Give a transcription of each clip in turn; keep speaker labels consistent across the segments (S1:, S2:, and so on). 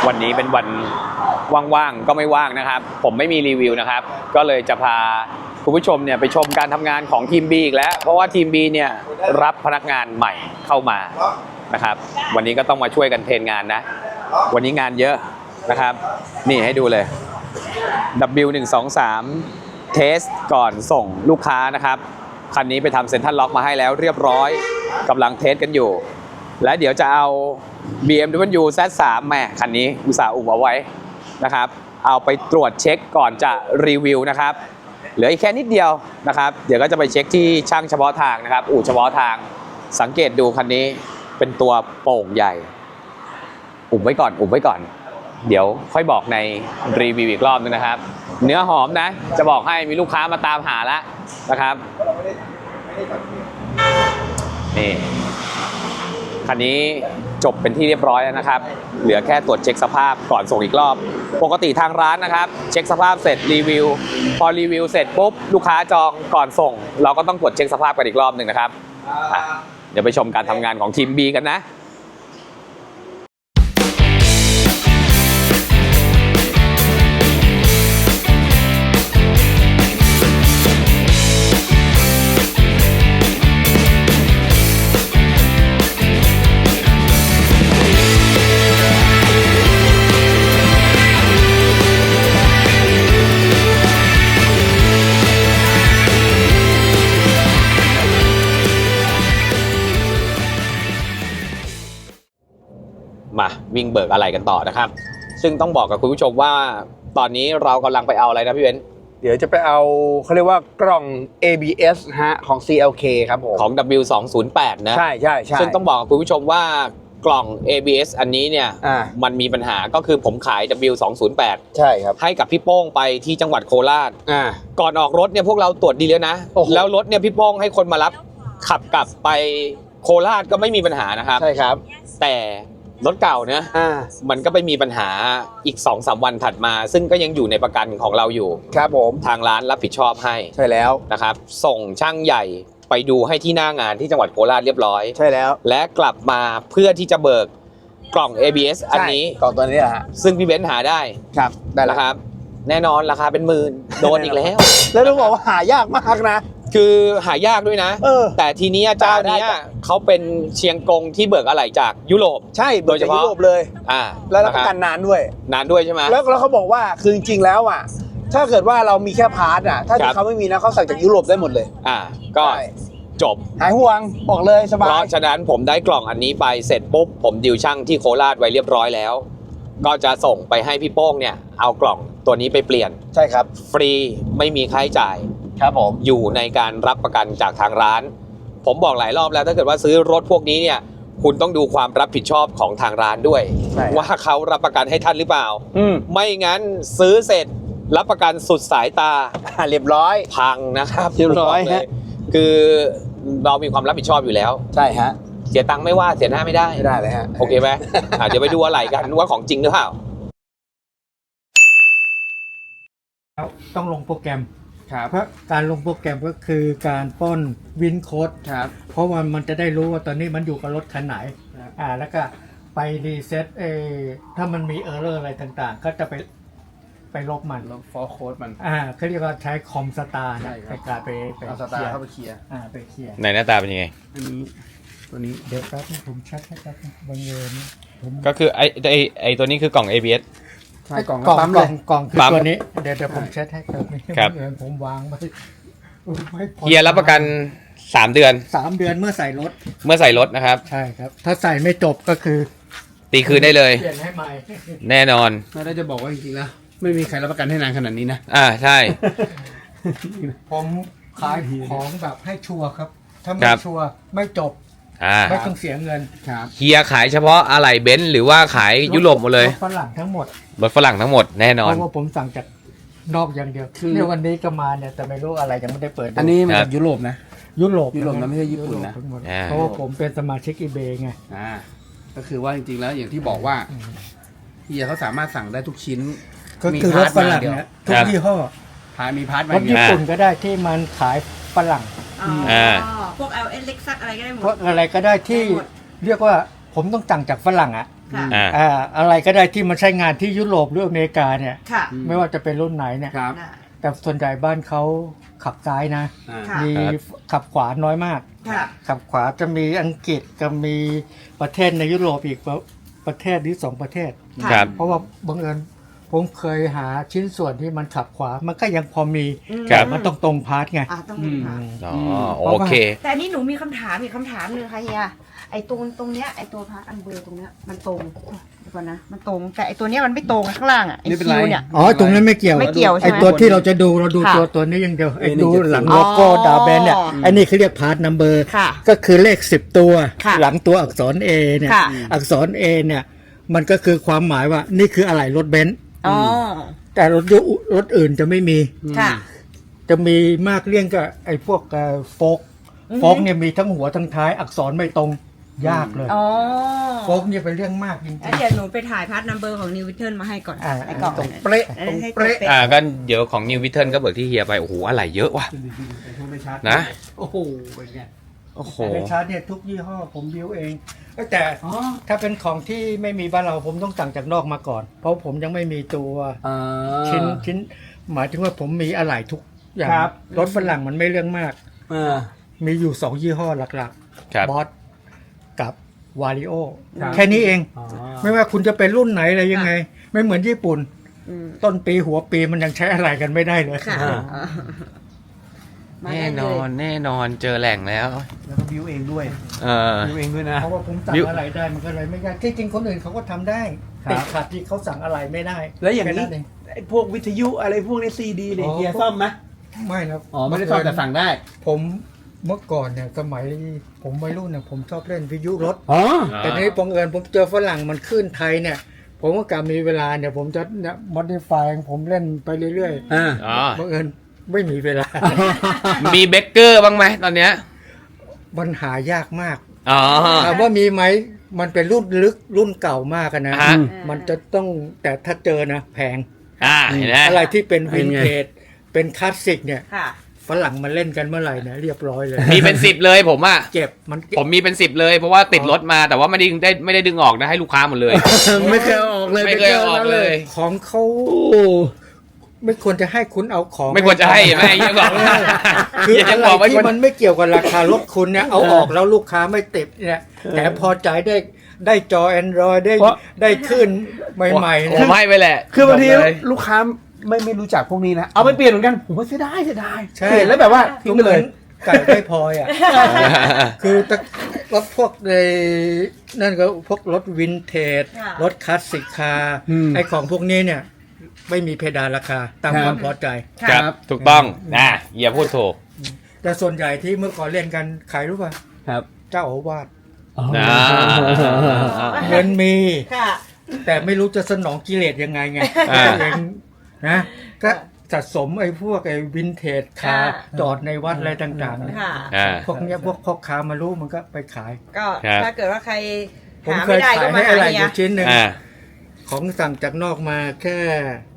S1: วันนี้เป็นวันว่างๆก็ไม่ว่างนะครับผมไม่มีรีวิวนะครับก็เลยจะพาคุณผู้ชมเนี่ยไปชมการทำงานของทีม B อีกแล้วเพราะว่าทีม B เนี่ยรับพนักงานใหม่เข้ามานะครับวันนี้ก็ต้องมาช่วยกันเทรนงานนะวันนี้งานเยอะนะครับนี่ให้ดูเลย W123 เทสก่อนส่งลูกค้านะครับคันนี้ไปทำเซ็นทรัลล็อกมาให้แล้วเรียบร้อยกำลังเทสกันอยู่และเดี๋ยวจะเอา BMW Z3 แหมคันนี้อุตส่าห์อุบเอาไว้นะครับเอาไปตรวจเช็คก่อนจะรีวิวนะครับเหลืออีกแค่นิดเดียวนะครับเดี๋ยวก็จะไปเช็คที่ช่างเฉพาะทางนะครับอู่เฉพาะทางสังเกตดูคันนี้เป็นตัวโป่งใหญ่อุบไว้ก่อนเดี๋ยวค่อยบอกในรีวิวอีกรอบนึงนะครับเนื้อหอมนะจะบอกให้มีลูกค้ามาตามหาแล้วนะครับนี่คันนี้จบเป็นที่เรียบร้อยแล้วนะครับเหลือแค่ตรวจเช็คสภาพก่อนส่งอีกรอบปกติทางร้านนะครับเช็คสภาพเสร็จรีวิวพอรีวิวเสร็จปุ๊บลูกค้าจองก่อนส่งเราก็ต้องตรวจเช็คสภาพกันอีกรอบหนึ่งนะครับเดี๋ยวไปชมการทำงานของทีม B กันนะมาวิ่งเบิกอะไรกันต่อนะครับซึ่งต้องบอกกับคุณผู้ชมว่าตอนนี้เรากำลังไปเอาอะไรนะพี่เบนซ์
S2: เดี๋ยวจะไปเอาเขาเรียกว่ากล่อง ABS ฮะของ CLK ครับผม
S1: ของ W208 นะ
S2: ใช่
S1: ซึ่งต้องบอกกับคุณผู้ชมว่ากล่อง ABS อันนี้เนี่ยมันมีปัญหาก็คือผมขาย W208
S2: ใช่ครับ
S1: ให้กับพี่โป้งไปที่จังหวัดโคราชก่อนออกรถเนี่ยพวกเราตรวจดีแล้วนะแล้วรถเนี่ยพี่โป้งให้คนมารับขับกลับไปโคราชก็ไม่มีปัญหานะครับ
S2: ใช่ครับ
S1: แต่รถเก่านะมันก็ไปมีปัญหาอีก 2-3 วันถัดมาซึ่งก็ยังอยู่ในประกันของเราอยู่
S2: ครับผม
S1: ทางร้านรับผิดชอบให้
S2: ใช่แล้ว
S1: นะครับส่งช่างใหญ่ไปดูให้ที่หน้างานที่จังหวัดโคราชเรียบร้อย
S2: ใช่แล้ว
S1: และกลับมาเพื่อที่จะเบิกกล่อง ABS อันนี้
S2: กล่องตัวนี้แหละฮะ
S1: ซึ่งพี่เบนซ์หาได้
S2: ครับได้แล้ว
S1: ครับแน่นอนราคาเป็นหมื่นโดนอีกแล้ว
S2: แล้วต้องบอกว่าหายากมากนะ
S1: คือหายากด้วยนะแต่ทีนี้เจ้านี้เขาเป็นเชียงกงที่เบิกอะไหล่จากยุโรป
S2: ใช่โดยเฉพาะยุโรปเลยแล้วรับประกันนานด้วยใช่ไหมแล้วเขาบอกว่าคือจริงๆแล้วอ่ะถ้าเกิดว่าเรามีแค่พาร์ทอ่ะถ้าเขาไม่มีนะเขาสั่งจากยุโรปได้หมดเลย
S1: ก็จบ
S2: หายห่วงบอกเลยสบาย
S1: เพราะฉะนั้นผมได้กล่องอันนี้ไปเสร็จปุ๊บผมดิวช่างที่โคราชไว้เรียบร้อยแล้วก็จะส่งไปให้พี่โป้งเนี่ยเอากล่องตัวนี้ไปเปลี่ยน
S2: ใช่ครับ
S1: ฟรีไม่มีค่าใช้จ่าย
S2: ครับผม
S1: อยู่ในการรับประกันจากทางร้านผมบอกหลายรอบแล้วถ้าเกิดว่าซื้อรถพวกนี้เนี่ยคุณต้องดูความรับผิดชอบของทางร้านด้วยว่าเขารับประกันให้ท่านหรือเปล่าไม่งั้นซื้อเสร็จรับประกันสุดสายตา
S2: เรียบร้อย
S1: พังนะครับ
S2: เรียบร้อยฮะ
S1: คือเรามีความรับผิดชอบอยู่แล้ว
S2: ใช่ฮะ
S1: เสียตังค์ไม่ว่าเสียหน้าไม่ได้
S2: เลยฮะ
S1: โอเคไหมเดี๋ยวไปดูอะไรกันว่าของจริงหรือเปล่า
S3: ต้องลงโปรแกรมเพราะการลงโปรแกรมก็คือการป้อนวินโค้ดเพราะว่ามันจะได้รู้ว่าตอนนี้มันอยู่กับรถคันไหนแล้วก็ไปรีเซ็ตถ้ามันมีเออร์เรอร์อะไรต่างๆก็จะไปลบมัน
S2: ลบฟอร์โค้ดมัน
S3: เขาเรียกว่าใช้คอมสตาร์ในการไป
S2: เอาสตาร์เข้าไปเคลียร์
S3: ไปเคลียร์
S1: ในหน้าตาเป็นยังไง
S2: อันนี้ตัวนี้
S3: เดี๋ยวแป๊บนึงผมชัดให้ครับบางเงิน
S1: ก็คือไอตัวนี้คือกล่อง ABS
S2: ใช่กล่องปั๊มเลย
S3: กล่องคือตัวนี้เดี๋ยวผมเช็ดให้ครับผมวางไว้
S1: เฮียรับประกัน3 เดือน
S3: 3 เดือนเมื่อใส่
S1: รถนะครับ
S3: ใช่ครับถ้าใส่ไม่จบก็คือ
S1: ตีคืนได้เลย
S3: เปลี่ยนให้ใหม่
S1: แน่นอน
S2: แล้วจะบอกว่าจริงๆแล้วไม่มีใครรับประกันให้นานขนาดนี้นะ
S1: ใช่
S3: ผมขายของแบบให้ชัวร์ครับถ้าไม่ชัวร์ไม่จบไม่ต้องเสียเงิน
S1: เฮียขายเฉพาะอะไหล่เบนซ์หรือว่าขายยุโรปหมดเลย
S3: รถฝรั่งทั้งหมด
S1: แน่นอน
S3: เพราะว่าผมสั่งจากนอกอย่างเดียวเนี่ยวันนี้ก็มาเนี่ยแต่ไม่รู้อะไรยังไม่ได้เปิด
S2: อันนี้มาจากยุโรปนะ
S3: ยุโรป
S2: นะไม่ใช่ญี่ปุ่นนะ
S3: เพราะว่าผมเป็นสมาชิกeBayไง
S2: ก็คือว่าจริงๆแล้วอย่างที่บอกว่าเฮียเขาสามารถสั่งได้ทุกชิ้น
S3: ก็คือรถฝรั่งเนี่ยทุกยี่ห้อ
S2: มีพาร์ทมาร
S3: ถญี่ปุ่นก็ได้ที่มันขายฝรั่ง
S4: พวก LS Lexus อะไรก็ได้หมด
S3: พวกอะไรก็ได้ที่เรียกว่าผมต้องสั่งจากฝรั่ง
S4: ค่ะ
S3: อะไรก็ได้ที่มันใช้งานที่ยุโรปหรืออเมริกาเนี่ย
S4: ค่ะ
S3: ไม่ว่าจะเป็นรุ่นไหนเนี่ย
S2: ครับ
S4: น่ะ
S3: แต่ส่วนใหญ่บ้านเขาขับซ้ายนะ
S4: ค่ะ
S3: มีขับขวาน้อยมาก
S4: ค่ะ
S3: ขับขวาจะมีอังกฤษกับมีประเทศในยุโรปอีกประเทศหรือ2ประเทศ
S4: ค่ะ
S1: ครับ
S3: เพราะว่าบังเอิญผมเคยหาชิ้นส่วนที่มันขับขวา มันก็ยังพอมี
S1: ครับ
S3: แต่มันต้องตรงพาร์ทไง
S4: ต้องมีค่ะ
S1: อ๋อโอเค
S4: แต่อันนี้หนูมีคำถามอีกคำถามหนึ่งค่ะเฮียไอ้ตรงเนี้ยไอ้ตัวพาร์ทอันเบอร์ตรงเนี้ยมันตรงเดี๋ยวก่อนนะมันตรงแต่ไอ้ตัวเนี้ยมันไม่ตรงข้างล่างอ่ะไอ้
S2: ไม่เป็น
S4: คิ
S2: ไร
S4: วเนี่ย
S3: อ๋อ ตรงนั้นไม่เกี่ยว
S4: ไม่เกี่ยวใช่
S3: ไอ้
S4: ไหม
S3: ตัวที่เราจะดูเราดู
S4: ค่ะ
S3: ตัวนี้อย่างเดียวไอ้
S2: A170
S3: ดูหลังโลโก้
S4: อ๋อ
S3: ดาวแบนเนี่ยอันนี้เขาเรียกพาร์ทนัมเบอร์
S4: ค่ะ
S3: ก็คือเลข10ตัว
S4: ค่ะ
S3: หลังตัวอักษร A เนี่ย
S4: ค่ะ
S3: อักษร A เนี่ยมันก็คือความหมายว่านี่คืออะไหล่รถเบนซ์
S4: อ๋อ
S3: แต่รถอื่นจะไม่มี
S4: ค่ะ
S3: จะมีมากเลี่ยงกับไอ้พวกโฟก
S4: อือฮึ
S3: โฟกเนี่ยมีทั้งหัวทั้งท้ายอักษรไม่ตรงยากเลย
S4: อ๋อ
S3: โฟกเนี่ยเป็นเรื่องมากจริง
S4: แล้วเดี๋ยวหนูไปถ่ายพาร์ทนัมเบอร์ของนิววิเทิลมาให้ก่อน
S3: ๆอ่า
S4: ในกล่อง
S3: ตรงเป๊ะ
S4: อัน
S3: ตร
S4: นั้
S3: ง
S4: นให้
S3: เป๊ะ
S4: ตัว
S1: ก็เดี๋ยวของนิววิเทิลก็เบิกที่เฮียไป โอ้โห อะไรเยอะว่ะ นะ
S3: โอ้โหเป็นไง
S1: โอ้โห
S3: ในชาร์จเนี่ยทุกยี่ห้อผมบิวเองแต่ถ้าเป็นของที่ไม่มีบ้านเราผมต้องสั่งจากนอกมาก่อน เพราะผมยังไม่มีตัวชิ้นหมายถึงว่าผมมีอะไหล่ทุกอย่าง
S2: ครับ
S3: รถฝรั่งมันไม่เรื่องมาก มีอยู่2ยี่ห้อหลัก
S1: ครับ
S3: บอสกับวาริโอ
S2: ครับ
S3: แค่นี้เอง ไม่ว่าคุณจะเป็นรุ่นไหนอะไรยังไง ไม่เหมือนญี่ปุ่น
S4: อืม
S3: ต้นปีหัวปีมันยังใช้อะไรกันไม่ได้เลย
S4: ค่ะ มา
S1: แน่
S4: ได้
S1: น
S4: เล
S1: อย นแน่นอนเจอแหล่งแล้ว
S2: แล้วก็บิวเองด้วย
S1: เออ
S2: บิวเองด้วยนะ
S3: เพราะว่าผมสั่งอะไรได้มันก็เลยไม่ยากที่จริงคนอื่นเขาก็ทำได้
S2: ครับ
S3: ติดขัดที่เขาสั่งอะไรไม่ได้
S2: แล้วอย่างนี้
S3: แค่เอง
S2: ไอ้พวกวิทยุอะไรพวกนี้ซีดีเนี่ย
S3: อ๋อ
S2: เฮียซ่อมไหม
S3: ไม่นะ
S2: อ๋อไม่ได้ซ่อมแต่สั่งได้
S3: ผมเมื่อก่อนเนี่ยสมัยผมวัยรุ่นเนี่ยผมชอบเล่นวิทยุรถ
S2: อ๋อ
S3: แต่นี้บังเอิญผมเจอฝรั่งมันขึ้นไทยเนี่ย ผมก็กลับมีเวลาเนี่ยผมจะเนี่ยมอดิฟายผมเล่นไปเรื่อย
S2: อ่า
S1: อ๋อ
S3: ๆบังเอิญไม่มีเวลา
S1: มีเบเกอร์บ้างไหมตอนเนี้ย
S3: มันหายากมาก
S1: อ๋อ
S3: ถามว่ามีไหมมันเป็นรุ่นลึกรุ่นเก่ามากอะนะ
S1: ฮะ
S3: มันจะต้องแต่ถ้าเจอนะแพง
S1: เห็นไหม
S3: อะไรที่เป็นวิน
S2: เป็นไง
S3: เทจเป็นคลาสสิกเนี่ย
S4: ค่ะ
S3: ฝรั่งมาเล่นกันเมื่อไหร่เนี่ยเรียบร้อยเลย
S1: มีเป็น 10 เลยผมอ่ะ
S3: เก็บมันเก็บ
S1: ผมมีเป็น 10 เลยเพราะว่าติดรถมาแต่ว่าไม่ได้ดึงออกนะให้ลูกค้าหมดเลย
S2: ไม่เคยเอาออกเลย
S1: ไม่เคยเอาออกเลย
S3: ของเขาไม่ควรจะให้คุณเอาของ
S1: ไม่ควรจะให้แม่ยังบอก
S3: คือ
S1: ยั
S3: อะ
S1: ง
S3: ไร
S1: บอกไม่
S3: ที่
S1: ควร
S3: มันไม่เกี่ยวกับราคารถคุณเนี่ยเอาออกแล้วลูกค้าไม่ติดเนี่ยแต่พอใจได้จอ Android ได้ขึ้นใหม่ๆ
S1: ผ
S3: นะ
S1: มให้ไปแหละ
S2: คือบางที
S1: บกเลย
S2: ลูกค้าไม่รู้จักพวกนี้นะ เอาไปเปลี่ยนเหมือนกัน ผมว่าเสียดาย
S3: ใช่
S2: เปลี่ยนแล้วแบบว่าทิ้งไปเลย
S3: ไก่ได้พลอยอ่ะ คือรถพวกในนั่นก็พวกรถวินเทจ
S4: ค่ะ
S3: รถคลาสสิกคาร์
S2: อืม
S3: ไอของพวกนี้เนี่ย ไม่มีเพดานราคาตาม
S2: ครับ
S3: ความพอใจ
S1: ครับถูกต้องนะอย่าพูดถูก
S3: แต่ส่วนใหญ่ที่เมื่อก่อนเล่นกันขายรู้ป่ะ
S2: ครับ
S3: เจ้าอาวาส
S1: อ่า
S3: เงินมี
S4: ค่ะ
S3: แต่ไม่รู้จะสนองกิเลสยังไงไง
S1: อ่า
S3: เองนะก็สะสมไอ้พวกไอ้วินเทจคาร์
S4: ค่ะ
S3: จอดในวัดอะไรต่างๆเนี่ย
S4: ค่ะ
S1: อ่า
S3: พวกเนี้ยพวกพ่อค้ามารู้มันก็ไปขาย
S4: ก็
S1: ครับ
S4: ถ้าเกิดว่าใคร
S3: ผม
S4: หา
S3: เค
S4: ไม่
S3: ย
S4: ได้
S3: ขา
S4: ก็
S3: ย
S4: มา
S3: ให้
S4: หา
S3: อะไรอ
S4: เฮีย
S3: ยู่ชิ้นหนึ่ง
S1: อ่า
S3: ของสั่งจากนอกมาแค่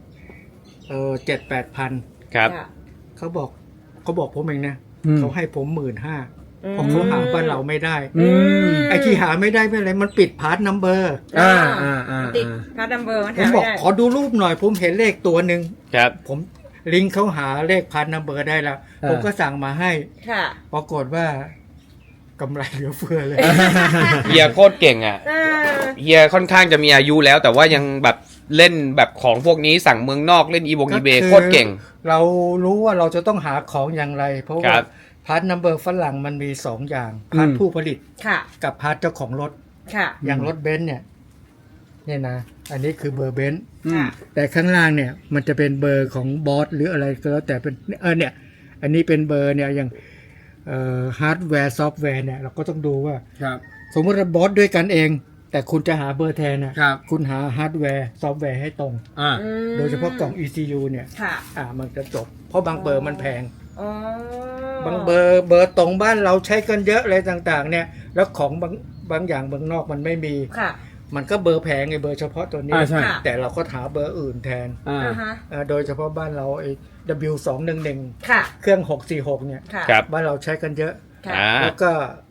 S3: 7-8 พัน
S1: ครับ
S4: ค่ะ
S3: เขาบอกผมเองนะ
S2: อืม
S3: เขาให้ผม15,000
S4: อืม
S3: เพราะเขาหาบ้านเราไม่ได้
S2: อืม
S3: ไอ้ที่หาไม่ได้ไม่อะไรมันปิดพาร์ทนัมเบอร์
S4: ติดพาร์ทนัมเบอร์มัน
S3: ผม
S4: หา
S3: บ
S4: ไม่
S3: อก
S4: ได้
S3: ขอดูรูปหน่อย ผมเห็นเลขตัวหนึ่ง
S1: ครับ
S3: ผมลิงก์เขาหาเลขพาร์ทนัมเบอร์ได้แล้ว ผมก็สั่งมาให้
S4: ค่ะ
S3: ปรากฏว่ากำไรเหลือเฟือเลย
S1: เฮียโคตรเก่งอ่ะ
S4: อ่า
S1: เฮียค่อนข้างจะมีอายุแล้ว แต่ว่ายังแบบเล่นแบบของพวกนี้สั่งเมืองนอกเล่นอีบงอีเบโคตรเก่ง
S3: เรารู้ว่าเราจะต้องหาของอย่างไร เพราะ
S1: ค
S3: ว่า
S1: รับ
S3: พาร์ทนัมเบอร์ฝรั่งมันมี2อย่างพาร์ทผู้ผลิต
S4: ค่ะ
S3: กับพาร์ทเจ้าของรถ
S4: ค่ะ
S3: อย่างรถเบนซ์เนี่ยนะ อันนี้คือเบอร์เบนซ์
S4: ค่ะ
S3: แต่ข้างล่างเนี่ยมันจะเป็นเบอร์ของบอสหรืออะไรก็แล้วแต่เป็นเนี่ยอันนี้เป็นเบอร์เนี่ยอย่างฮาร์ดแวร์ซอฟต์แวร์เนี่ยเราก็ต้องดูว่า
S2: ครับ
S3: สมมติว่าบอสด้วยกันเอง แต่คุณจะหาเบอร์แทนนะครับ คุณหาฮาร์ดแวร์ซอฟต์แวร์ให้ตรง
S2: อ่า
S4: อืม
S3: โดยเฉพาะกล่อง ECU เนี่ย
S4: ค่ะ
S3: มันจะจบ เพราะบางเบอร์มันแพง
S4: อ๋อบ
S3: างเบอร์ตรงบ้านเราใช้กันเยอะอะไรต่างๆ เนี่ย แล้วของบางอย่างเบอร์นอกมันไม่มี
S4: ค่ะ
S3: มันก็เบอร์แพงไงเบอร์เฉพาะตัวนี้
S2: ใช่
S3: แต่เราก็หาเบอร์อื่นแทน
S2: อ่า
S4: อ่าฮะ
S3: โดยเฉพาะบ้านเราไอ้ W211
S4: ค่ะ
S3: เครื่อง646เนี่ย
S4: ค่ะ
S1: ครับ
S3: บ้านเราใช้กันเยอะ
S4: ค่ะ
S1: อ่า
S3: แล้วก็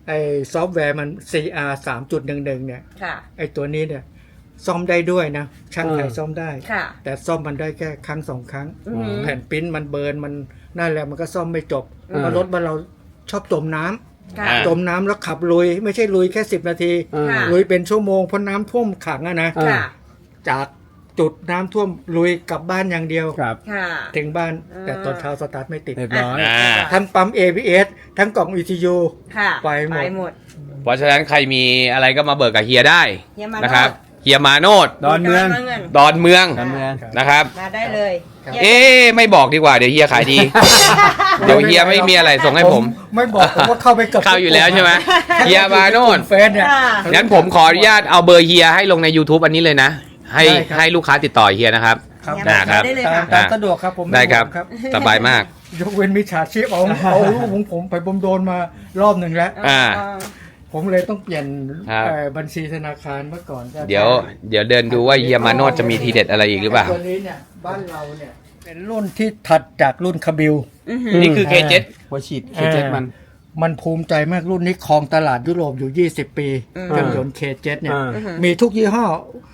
S3: ไอ้ซอฟต์แวร์มัน CR 3.11เนี่ย
S4: ค่ะ
S3: ไอ้ตัวนี้เนี่ยซ่อมได้ด้วยนะช่างไทยซ่อมได้
S4: ค่ะ
S3: แต่ซ่อมมันได้แค่ครั้งสองครั้ง
S4: อือหือ
S3: แผ่นปริ้นมันเบิร์นมันนั่นแหละมันก็ซ่อมไม่จบเพราะรถบ้านเราชอบจมน้ำ
S4: ค่ะ
S3: จมน้ำแล้วขับลุย ไม่ใช่ลุยแค่10 นาที
S4: ค่ะ
S3: ลุยเป็นชั่วโมงเพราะน้ำท่วมขังอะนะ
S4: ค่ะ
S3: จากจุดน้ำท่วมลุยกลับบ้านอย่างเดียว
S2: ครับ
S4: ค่ะ
S3: ถึงบ้านแต่ตอนเช้าสตาร์ทไม่ติด
S2: เรียบร้อย
S1: อ่า
S3: ทั้งปั๊ม ABS ทั้งกล่อง ECU
S4: ค่ะ
S3: ไปหมด
S4: หมด
S1: เพราะฉะนั้นใครมีอะไรก็มาเบิกกับเฮียได้
S4: เฮียมาโนด
S1: นะครับเฮียมาโนด
S2: ดอนเมือง
S1: ดอนเมือง
S2: ดอนเมือง
S1: นะครับ
S4: มาได้เลย
S1: เอ๊ะไม่บอกดีกว่าเดี๋ยวเฮียขายดี เดี๋ยวเฮียไม่มีอะไรส่งให้ผม
S3: ไม่บอกผมว่าเข้าไปกับ
S1: เข้าอยู่แล้วใช่ไหมเฮียมาโนด
S3: เฟซเนี่ย
S4: ค่ะ
S1: งั้นผมขออนุญาตเอาเบอร์เฮียให้ลงใน YouTube อันนี้เลยนะ ให้
S3: ได้ครับ
S1: ให้ลูกค้าติดต่อเฮียนะครับ
S3: ครับ
S4: เฮียมา
S1: ครับ
S4: ได้เลย
S3: ตา
S4: ค่ะ
S3: มตามสะดวกครับผมม่
S1: ได้ครับ
S3: ห่วง
S1: สบายมาก
S3: ยกเว้นมิจฉาชีพเอารูปของผมไปผมโดนมารอบหนึ่งแล้ว
S1: อ่า
S3: ผมเลยต้องเปลี่ยน
S1: ครับ
S3: บัญชีธนาคารเมื่อก่อนก็
S1: เดี๋ยวเดินดูว่าเฮียมาโนดจะมีทีเด็ดอะไรอีกหรือเปล่า
S3: ตัวนี้เนี่ยบ้านเราเนี่ยเป็นรุ่นที่ถัดจากรุ่นคาบิล
S1: นี่คือ K7
S2: หัวฉีดเคเจ็ดมัน
S3: มันภูมิใจมากรุ่นนี้ครองตลาดยุโรปอยู่ 20 ปีเครื่องยนต์ K7 เนี่ย มีทุกยี่ห้อ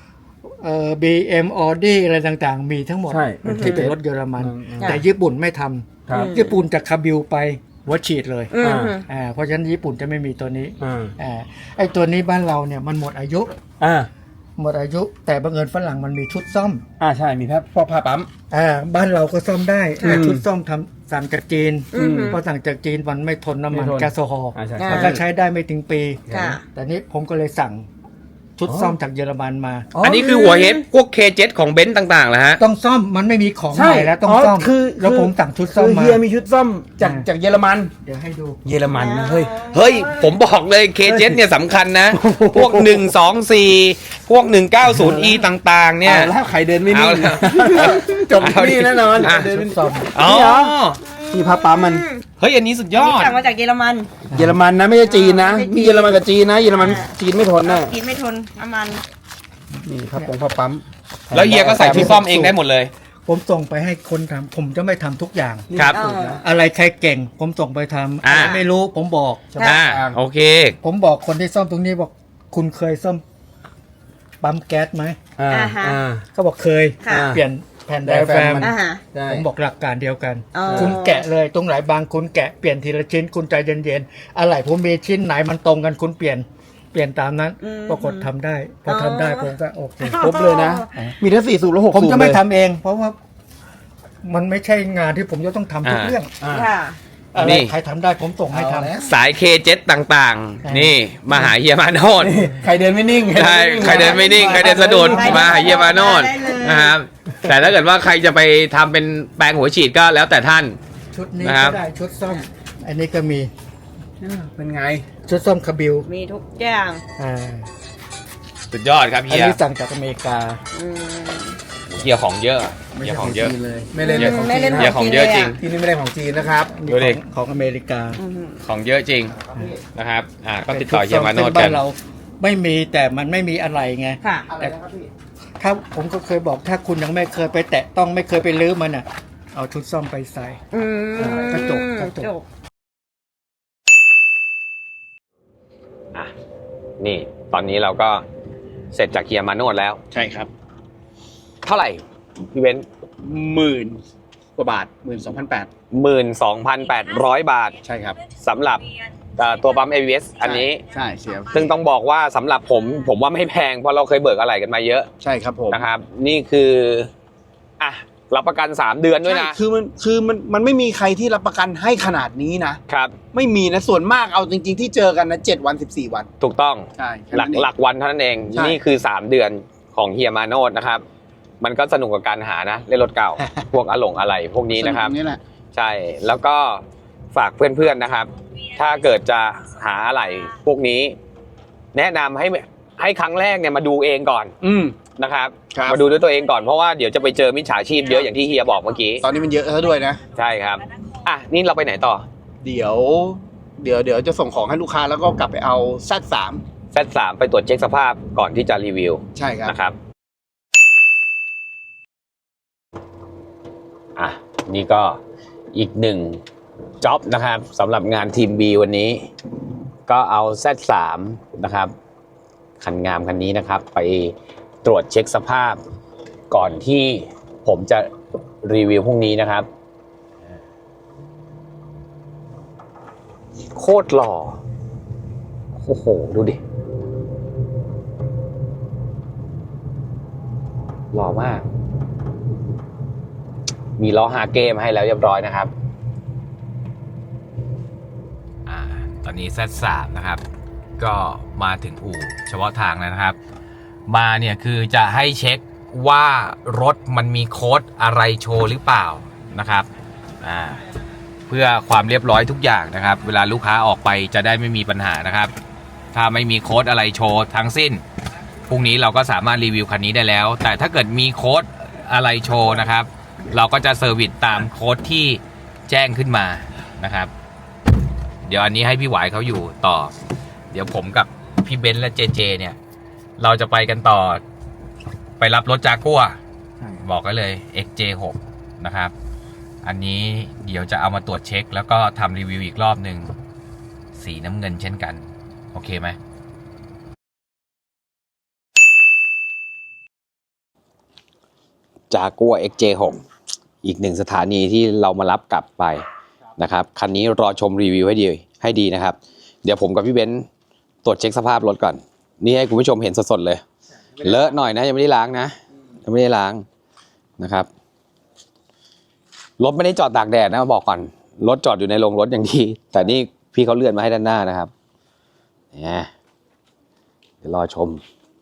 S3: BM Audi อะไรต่างๆ มีทั้งหมด
S2: ใช่
S3: ที่เป็นรถเยอรมัน
S4: ค่ะ
S3: แต่ญี่ปุ่นไม่ท
S2: ครับ
S3: ำญี่ปุ่นจากคาบิลไปหัวฉีดเลย
S4: อืม
S3: เพราะฉะนั้นญี่ปุ่นจะไม่มีตัวนี้
S2: อ่า
S3: ไอ้ตัวนี้บ้านเราเนี่ยมันหมดอายุ
S2: อ่า
S3: หมดอายุ แต่บังเอิญฝรั่งมันมีชุดซ่อม
S2: ใช่มีแค่พวกผ้าปั๊ม
S3: บ้านเราก็ซ่อมได้แต่
S2: อืม
S3: ชุดซ่อมทำสั่งจากจีน
S4: อืม
S3: เพราะสั่งจากจีนมันไม่ทนน้ำมัน
S2: ไม่ทน
S3: แก๊สโซฮอล์
S2: ใช่
S3: มันก็ใช้ได้ไม่ถึงปี
S4: ค่ะ
S3: แต่นี้ผมก็เลยสั่งชุดซ่อมจากเยอรมันมา
S1: อันนี้คือหัวเฮดพวก K7 ของเบนซ์ต่างๆเหรอฮะ
S3: ต้องซ่อมมันไม่มีของ
S2: ใช่
S3: ใหม่แล้วต้องซ่อม
S2: คือ
S3: แล้วผมสั่งชุดซ่อม
S2: คือ
S3: มา
S2: เฮียมีชุดซ่อมจากเยอรมัน
S3: เดี๋ยวให้ดู
S2: เยอรมันนะเฮ้ย
S1: เฮ้ย ผมบอกเลย K7 เนี่ยสำคัญนะ พวก 124 พวก 190e ต่างๆ เนี่ย
S2: แล้วใครเดินไม่นิ่ง
S1: เอาแล้ว
S2: จบที่นี่แน่นอน
S1: อ่ะ
S2: เดินไม่
S3: ซ่อม
S1: อ๋อ
S2: ที่ผ้าปั๊มมัน
S1: เฮ้ย อันนี้สุดยอด
S4: สั่งมาจากเยอรมัน
S2: เยอรมันนะไม่ใช่จีนนะ
S4: ไม่ใช่จีน
S2: มีเยอรมันกับจีนนะเยอรมันจีนไม่ทนนะ
S4: กินไม่ทนน้ำมัน
S2: นี่ผ้าปั๊ม
S1: แล้วเฮียก็ใส่ชุดซ่อมเองได้หมดเลย
S3: ผมส่งไปให้คนทำผมจะไม่ทำทุกอย่าง
S1: ครับ
S3: อะไรใครเก่ง ผมส่งไปทำ
S1: อ่า
S3: อะไรไม่รู้ผมบอก
S1: โอเค
S3: ผมบอกคนที่ซ่อมตรงนี้บอกคุณเคยซ่อมปั๊มแก๊สไหม
S2: อ่า
S4: อ่าฮะ
S2: อ่า
S3: เขาบอกเคย
S4: ค่ะ
S3: เปลี่ยนแผ่นได
S2: ไดอะ
S3: แฟ
S2: แฟร
S3: ร
S2: ม
S3: ม
S2: มัน
S4: อ่าฮะ
S2: ใช่
S3: ผมบอกหลักการเดียวกัน
S4: อ๋อ
S3: คุณแกะเลยตรงไหนบางคุณแกะเปลี่ยนทีละชิ้นคุณใจเย็นๆอะไรผมมีชิ้นไหนมันตรงกันคุณเปลี่ยนตามนั้นปรากฏทำได้พอทำได้ผมก็โอเค
S2: ครบเลยนะ มีทั้ง4 สูบและ6
S3: ผม
S2: สูบ
S3: จะไม่
S2: เลย
S3: ทำเอง เพราะว่ามันไม่ใช่งานที่ผมจะต้องทำทุก
S1: อ่า
S3: เรื่อง
S2: อ่า
S4: ค่ะ
S3: อะไร
S1: นี่
S3: ใครทำได้ผมส่งให้ทำ
S2: เอาแล้ว
S1: สาย K7 ต่างๆ นี่มาหาเฮียมาโนด
S2: ใครเดินไม่นิ่ง
S1: ใช่ใครเดินไม่นิ่ง ใครเดินสะดุดมาหาเฮียมาโนด
S4: ได้เลย
S1: นะครับ แต่ถ้าเกิดว่าใครจะไปทำเป็นแปลงหัวฉีดก็แล้วแต่ท่าน
S3: ชุดนี้
S1: นะครับ
S3: ก็ได้ชุดซ่อม อันนี้ก็มี
S2: เป็นไง
S3: ชุดซ่อมคาบิล
S4: มีทุกอย่าง
S3: อ่า
S1: สุดยอดครับ
S3: อัน
S1: เฮีย
S3: นี้สั่งจากอเมริกา
S4: อืม
S1: เฮียของเยอะเฮียของเยอะ
S2: ไม่เล่น
S1: เยอะ
S2: ของ
S4: ไม่
S2: จี
S4: เล่
S2: น
S4: น
S2: นะ
S1: เฮียของเยอะจริง
S2: ที่นี่ไม่ได้ของจีนนะครับ
S1: ดูดิ
S3: ของอเมริกา
S1: ของเยอะจริงนะครับ ก็ติดต่อเฮียมาโนด
S3: ซึ่ง
S1: กั
S3: บ้าน นเราไม่มีแต่มันไม่มีอะไรไง
S4: ค่ะ
S3: แต่ถ้าผมก็เคยบอกถ้าคุณยังไม่เคยไปแตะต้องไม่เคยไปลื้อมันอ่ะ เอาชุดซ่อมไปใส่
S4: อืม
S3: กระจก
S1: อ่ะนี่ตอนนี้เราก็เสร็จจากเฮียมาโนดแล้ว
S2: ใช่ครับ
S1: เท่าไหร่พี่เว้น
S2: 10,000 กว่าบาท 12,800
S1: 12,800 บาท
S2: ใช่ครับ
S1: สำหรับตัวปั๊ม ABS อันนี้
S2: ใช่เสีย
S1: ซึ่งต้องบอกว่าสำหรับผมว่าไม่แพงเพราะเราเคยเบิกอะไรกันมาเยอะ
S2: ใช่ครับผม
S1: นะครับ นี่คืออ่ะรับประกัน 3 เดือนด้วยนะ
S2: ใช่คือมันไม่มีใครที่รับประกันให้ขนาดนี้นะ
S1: ครับ
S2: ไม่มีนะส่วนมากเอาจริง ๆ ที่เจอกันนะ7 วัน 14 วัน
S1: ถูกต้อง
S2: ใช่แค่
S1: หลั
S2: นั้นเอง
S1: หลักวันเท่านั้นเอง
S2: ใช่
S1: นี่คือ 3 เดือนของเฮียมาโนดนะครับ มันก็สนุกกับการหานะเล่นรถเก่า พวกอะไรพวกนี้นะครับ
S2: สกตงนี่แหละ
S1: ใช่ แล้วก็ฝากเพื่อนๆนะครับ ถ้าเกิดจะหาอะไรพวกนี้ แนะนำให้ครั้งแรกเนี่ยมาดูเองก่อน
S2: อืม
S1: นะครับ
S2: ครับ
S1: มาดูด้วยตัวเองก่อนเพราะว่าเดี๋ยวจะไปเจอมิจฉาชีพเยอะอย่างที่เฮียบอกเมื่อกี้
S2: ตอนนี้มันเยอะซะด้วยนะ
S1: ใช่ครับอ่ะนี่เราไปไหนต่อ
S2: เดี๋ยวจะส่งของให้ลูกค้าแล้วก็กลับไปเอา Z3
S1: Z3 ไปตรวจเช็คสภาพก่อนที่จะรีวิว
S2: ใช่ครับ
S1: นะครับอ่ะนี่ก็อีกหนึ่งจ็อบนะครับสำหรับงานทีม B วันนี้ก็เอา Z3 นะครับ คันงามคันนี้นะครับ ไปตรวจเช็คสภาพก่อนที่ผมจะรีวิวพรุ่งนี้นะครับ โคตรหล่อ โอ้โห ดูดิ หล่อมาก มีล้อฮาเก้มาให้แล้วเรียบร้อยนะครับ ตอนนี้ Z3 นะครับ ก็มาถึงอู่เฉพาะทางแล้วนะครับ มาเนี่ยคือจะให้เช็คว่ารถมันมีโค้ดอะไรโชว์หรือเปล่านะครับเพื่อความเรียบร้อยทุกอย่างนะครับ เวลาลูกค้าออกไปจะได้ไม่มีปัญหานะครับ ถ้าไม่มีโค้ดอะไรโชว์ทั้งสิ้นพรุ่งนี้เราก็สามารถรีวิวคันนี้ได้แล้ว แต่ถ้าเกิดมีโค้ดอะไรโชว์นะครับ เราก็จะเซอร์วิสตามโค้ดที่แจ้งขึ้นมานะครับ เดี๋ยวอันนี้ให้พี่หวายเขาอยู่ต่อ เดี๋ยวผมกับพี่เบนซ์และเจเจเนี่ยเราจะไปกันต่อไปรับรถจากัวบอกกันเลย XJ6 นะครับอันนี้เดี๋ยวจะเอามาตรวจเช็คแล้วก็ทำรีวิวอีกรอบหนึ่งสีน้ำเงินเช่นกันโอเคไหมจากัว XJ6 อีกหนึ่งสถานีที่เรามารับกลับไปนะครับคันนี้รอชมรีวิวให้ดีนะครับเดี๋ยวผมกับพี่เบนซ์ตรวจเช็คสภาพรถก่อนนี่ให้คุณผู้ชมเห็นสดๆเลยเลอะหน่อยนะยังไม่ได้ล้างนะยังไม่ได้ล้างนะครับรถไม่ได้จอดตากแดดนะมาบอกก่อนรถจอดอยู่ในโรงรถอย่างดีแต่นี่พี่เขาเลื่อนมาให้ด้านหน้านะครับเนี่ยเดี๋ยวรอชม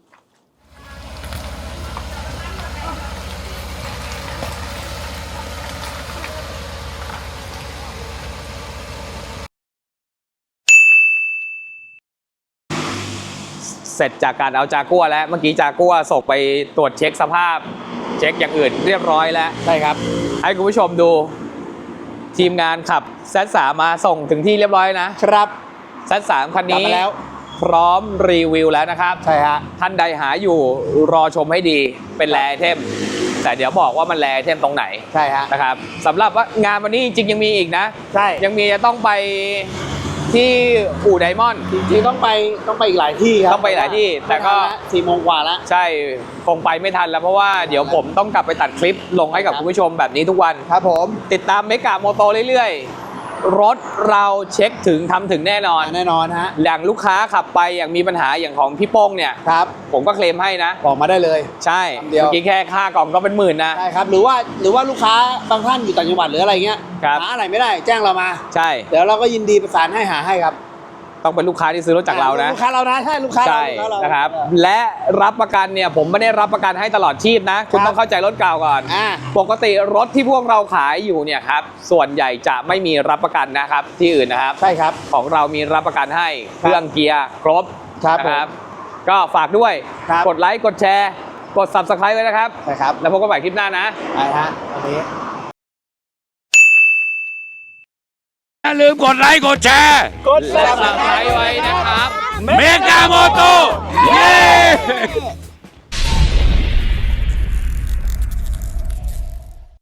S1: เสร็จจากการเอาจากัวแล้วเมื่อกี้จากัวส่งไปตรวจเช็คสภาพเช็คอย่างอื่นเรียบร้อยแล้วใช่ครับให้คุณผู้ชมดูทีมงานขับ Z3 มาส่งถึงที่เรียบร้อยนะครับ Z3 คันนี้แล้วพร้อมรีวิวแล้วนะครับใช่ฮะท่านใดหาอยู่รอชมให้ดีเป็นแรไอเทมแต่เดี๋ยวบอกว่ามันแรไอเทมตรงไหนใช่ฮะนะครับสำหรับว่างานวันนี้จริงๆยังมีอีกนะใช่ยังมีจะต้องไปที่อู่ไดมอนด์จริงๆต้องไปอีกหลายที่ครับต้องไปหลายที่แต่ก็4 โมงกว่าแล้วใช่คงไปไม่ทันแล้วเพราะว่าเดี๋ยวผมต้องกลับไปตัดคลิปลงให้กับคุณผู้ชมแบบนี้ทุกวันครับผมติดตามเมกะโมโตเรื่อยๆรถเราเช็คถึงทำถึงแน่นอนฮะอย่างลูกค้าขับไปอย่างมีปัญหาอย่างของพี่โป้งเนี่ยครับผมก็เคลมให้นะบอกมาได้เลยใช่เมื่อกี้แค่ค่ากล่องก็เป็นหมื่นนะใช่ครับหรือว่าลูกค้าบางท่านอยู่ต่างจังหวัดหรืออะไรเงี้ยหาอะไรไม่ได้แจ้งเรามาใช่เดี๋ยวเราก็ยินดีประสานให้หาให้ครับต้องเป็นลูกค้าที่ซื้อรถจากเรานะลูกค้าเรานะใช่ลูกค้าเรานะครับและรับประกันเนี่ยผมไม่ได้รับประกันให้ตลอดชีพนะคุณต้องเข้าใจรถเก่าก่อนปกติรถที่พวกเราขายอยู่เนี่ยครับส่วนใหญ่จะไม่มีรับประกันนะครับที่อื่นนะครับใช่ครับของเรามีรับประกันให้เครื่องเกียร์ครบนะครับก็ฝากด้วยกดไลค์กดแชร์กด Subscribe ไว้นะครับใช่ครับแล้วพบกันใหม่คลิปหน้านะใช่ฮะวันนี้อย่าลืมกดไลค์กดแชร์กด Subscribe ไว้นะครับเมกาโมโตเย้